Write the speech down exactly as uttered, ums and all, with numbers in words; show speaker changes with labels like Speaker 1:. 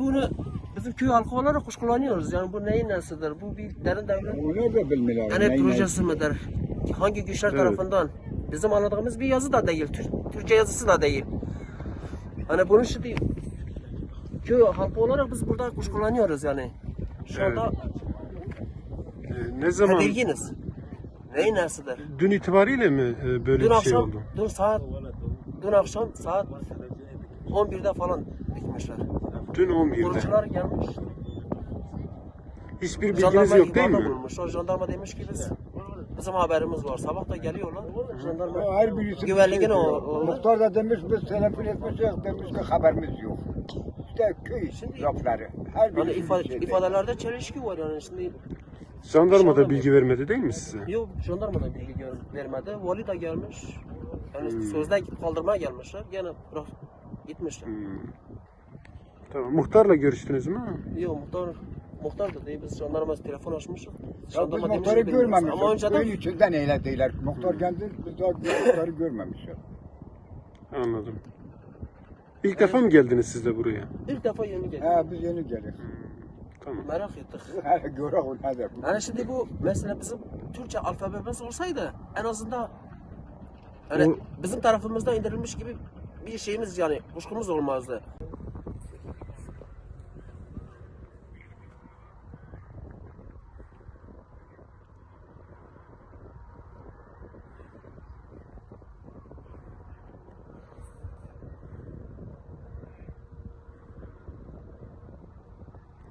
Speaker 1: bunu bizim köy halkı olarak kuşkulanıyoruz. Yani bu neyin nesidir? Bu bir derin devlet
Speaker 2: Onlar da bilmiyorlar.
Speaker 1: yani
Speaker 2: neyin
Speaker 1: projesi
Speaker 2: nesi.
Speaker 1: midir? Hangi güçler
Speaker 3: Evet.
Speaker 1: tarafından? Bizim anladığımız bir yazı da değil. Tür- Türkçe yazısı da değil. Hani bunun şimdi köy halkı olarak biz burada kuşkulanıyoruz yani. Şu
Speaker 3: Evet.
Speaker 1: anda
Speaker 3: Ee, ne zaman?
Speaker 1: tedirginiz. Neyin nesidir?
Speaker 3: Dün itibariyle mi e, böyle
Speaker 1: Dün
Speaker 3: bir şey
Speaker 1: akşam,
Speaker 3: oldu?
Speaker 1: dün saat, dün akşam saat on birde falan dikmişler.
Speaker 3: Dün on birde.
Speaker 1: Kurucular gelmiş.
Speaker 3: Hiçbir bilginiz
Speaker 1: Jandarma
Speaker 3: yok değil
Speaker 1: ihbarda
Speaker 3: mi?
Speaker 1: bulunmuş. O jandarma demiş ki biz bizim haberimiz var. Sabah da geliyorlar. Jandarma
Speaker 2: Her birisi
Speaker 1: güvenliğin
Speaker 2: bir şey
Speaker 1: o,
Speaker 2: diyor.
Speaker 1: o
Speaker 2: Muhtar da demiş biz telefon etmişiz, demiş ki haberimiz yok. İşte köy lafları. Her
Speaker 1: hani
Speaker 2: birisi
Speaker 1: ifade,
Speaker 2: bir şey
Speaker 1: ifadelerde çelişki var yani şimdi.
Speaker 3: Jandarma da
Speaker 1: Jandarma.
Speaker 3: bilgi vermedi değil mi size?
Speaker 1: Yok jandarma da bilgi gör- vermedi. Vali de gelmiş. Yani
Speaker 3: Hmm.
Speaker 1: sözde kaldırmaya gelmişler. Gene bırak gitmişler.
Speaker 3: Hmm. Tamam. Muhtarla görüştünüz mü?
Speaker 1: Yok muhtar muhtar da değil. Biz jandarma telefon açmışız.
Speaker 2: Ya biz
Speaker 1: Jandarma demiş
Speaker 2: muhtarı
Speaker 1: ki bilmiyoruz.
Speaker 2: görmemişiz.
Speaker 1: Ama önceden
Speaker 2: Köyün içinden eyle değiller. Muhtar geldi, biz daha muhtarı görmemişiz.
Speaker 3: Anladım. İlk defa mı geldiniz siz de buraya?
Speaker 1: ilk defa yeni geldi.
Speaker 2: He biz yeni geldik.
Speaker 3: Tamam.
Speaker 1: Merak ettik.
Speaker 2: He göre o nedir?
Speaker 1: Yani şimdi bu mesela bizim Türkçe alfabemiz olsaydı en azından yani
Speaker 3: O-
Speaker 1: bizim tarafımızda indirilmiş gibi bir şeyimiz yani kuşkumuz olmazdı.